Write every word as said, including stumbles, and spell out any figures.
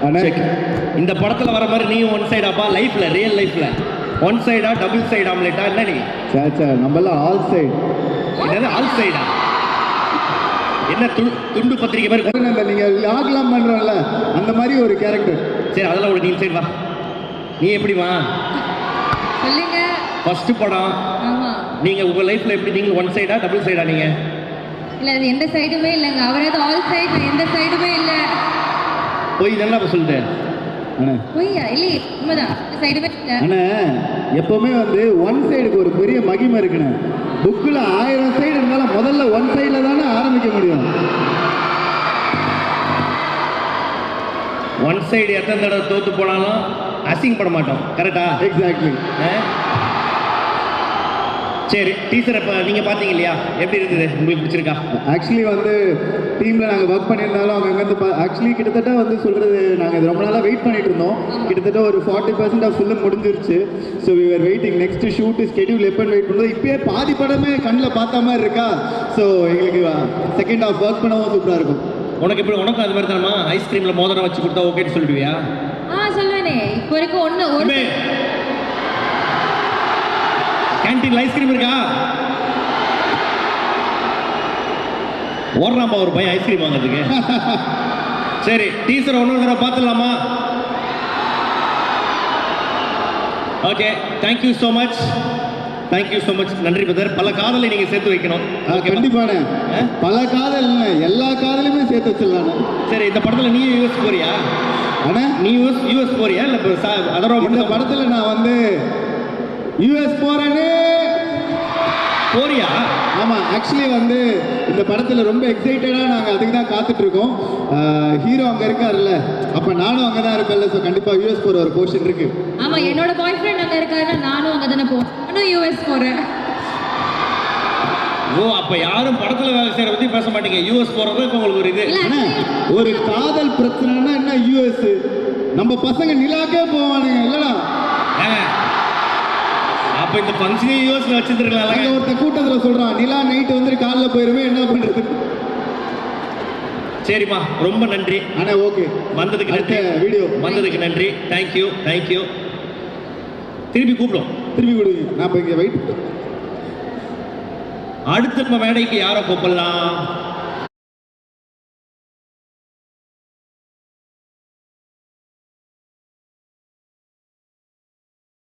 Check. இந்த படத்துல வர மாதிரி நீ ஒன் சைடாப்பா? லைஃப்ல, ரியல் லைஃப்ல ஒன் சைடா டபுள் சைடு ஆம்லெட்டா என்ன நீ? சாச்சா நம்மலாம் ஆல் சைடு. என்னது ஆல் சைடா? என்ன துண்டு பத்திரிக்கை மாதிரி அந்த நீங்க லாக்லாம் பண்றோம்ல அந்த மாதிரி ஒரு கேரக்டர். சரி அதெல்லாம் ஒரு நீ சைடு வா. நீ எப்படி வா சொல்லுங்க. ஃபர்ஸ்ட் படம். ஆமா. நீங்க உங்க லைஃப்ல எப்படி நீங்க ஒன் சைடா டபுள் சைடா நீங்க? இல்ல அது எந்த சைடுமே இல்லங்க. அவரே அது ஆல் சைடு, நான் எந்த சைடுமே இல்ல. போய் நல்லா சொல்லிட்டு. அண்ணா போய்யா இல்ல உண்மைதான். இந்த சைடுமே இல்ல. அண்ணா எப்பவுமே வந்து ஒன் சைடுக்கு ஒரு பெரிய மகிமை இருக்குண்ணே. புக்கில் ஆயிரம் சைடு இருந்தாலும் முதல்ல ஒன் சைடில் தானே ஆரம்பிக்க முடியும். ஒன் சைடு எத்தனை தடவை தோத்து போனாலும் அசிங்கப்பட மாட்டோம். கரெக்டா? எக்ஸாக்ட்லி. சரி டீச்சர் இப்போ நீங்கள் பார்த்தீங்க இல்லையா, எப்படி இருந்தது? உங்களுக்கு பிடிச்சிருக்கா? ஆக்சுவலி வந்து டீமில் நாங்கள் ஒர்க் பண்ணியிருந்தாலும் அவங்க அங்கேருந்து பா ஆக்சுவலி கிட்டத்தட்ட வந்து சொல்கிறது நாங்கள் இது ரொம்ப நாளாக வெயிட் பண்ணிட்டு இருந்தோம். கிட்டத்தட்ட ஒரு ஃபார்ட்டி பர்சன்ட் ஆஃப் ஃபில்ம் முடிஞ்சிருச்சு. So we are waiting next shoot schedule எப்போன்னு வெயிட் பண்ணுறது. இப்போயே பாதி படமே கண்ணில் பார்த்த மாதிரி இருக்கா. ஸோ எங்களுக்கு செகண்ட் ஹாஃப் ஒர்க் பண்ணவும் சூப்பராக இருக்கும். உனக்கு எப்படி? உனக்கும் அது மாதிரி தானமா? ஐஸ்கிரீமில் மோதிரம் வச்சு கொடுத்தா ஓகேன்னு சொல்லிடுவியா? ஆ சொல்லுவேனே. இப்போ வரைக்கும் ஒன்று ஒரு கேன்டீன்ல ஐஸ்கிரீம் இருக்கா? ஓடுறாம்பா ஒரு பையன் ஐஸ்கிரீம் வாங்கிறதுக்கு. சரி டீச்சர் ஒன்று தடவை பார்த்துடலாமா? Okay thank you so much. Thank you so much. நன்றி பிரதர். பல காதலை நீங்கள் சேர்த்து வைக்கணும். கண்டிப்பான பல காதல் இல்லை, எல்லா காதலையுமே சேர்த்து வச்சிடலாம். சரி இந்த படத்தில் நீ யூஎஸ் போறியா? ஆனால் நீ யூஎஸ் யூஎஸ் போறியா இல்லை இப்போ அதோட இந்த படத்தில் நான் வந்து யூஎஸ் போகிறேன்னு போறியா? ஆமாம் ஆக்சுவலி வந்து இந்த படத்தில் ரொம்ப எக்ஸைட்டடாக நாங்கள் அதுக்கு தான் காத்துட்ருக்கோம். ஹீரோ அங்கே இருக்காருல்ல, அப்போ நானும் அங்கே தான் இருப்பேன்ல. ஸோ கண்டிப்பாக யூஎஸ் போகிற ஒரு போர்ஷன் இருக்குது. ஆமாம் என்னோட பாய் ஃப்ரெண்ட் அங்கே இருக்காருன்னா நானும் அங்கே தானே போவேன். நானும் யூஎஸ் போகிறேன். ஓ அப்போ யாரும் படத்தில் வேலை செய்கிற பற்றி பேச மாட்டீங்க. யூஎஸ் போகிறது இப்போ உங்களுக்கு ஒரு இது ஒரு காதல் பிரச்சனைனா என்ன யூஎஸ்? நம்ம பசங்க நிலாக்கே போவானுங்க இல்லைடா. அப்போ இந்த ஃபங்க்ஷனே யூஎஸ்ல வச்சிருக்கலாம். அங்கே ஒருத்தர் கூட்டத்தில் சொல்கிறான் நிலா நைட்டு வந்து காலைல போயிருவேன், என்ன பண்ணுறது? சரிம்மா ரொம்ப நன்றி. ஆனால் ஓகே வந்ததுக்கு நன்றி. வீடியோ வந்ததுக்கு நன்றி. Thank you thank you. திருப்பி கூப்பிடும். திருப்பி விடுவீங்க. நான் இப்போ இங்கே வெயிட். அடுத்த மேடைக்கு யாரை கூப்பிடலாம்?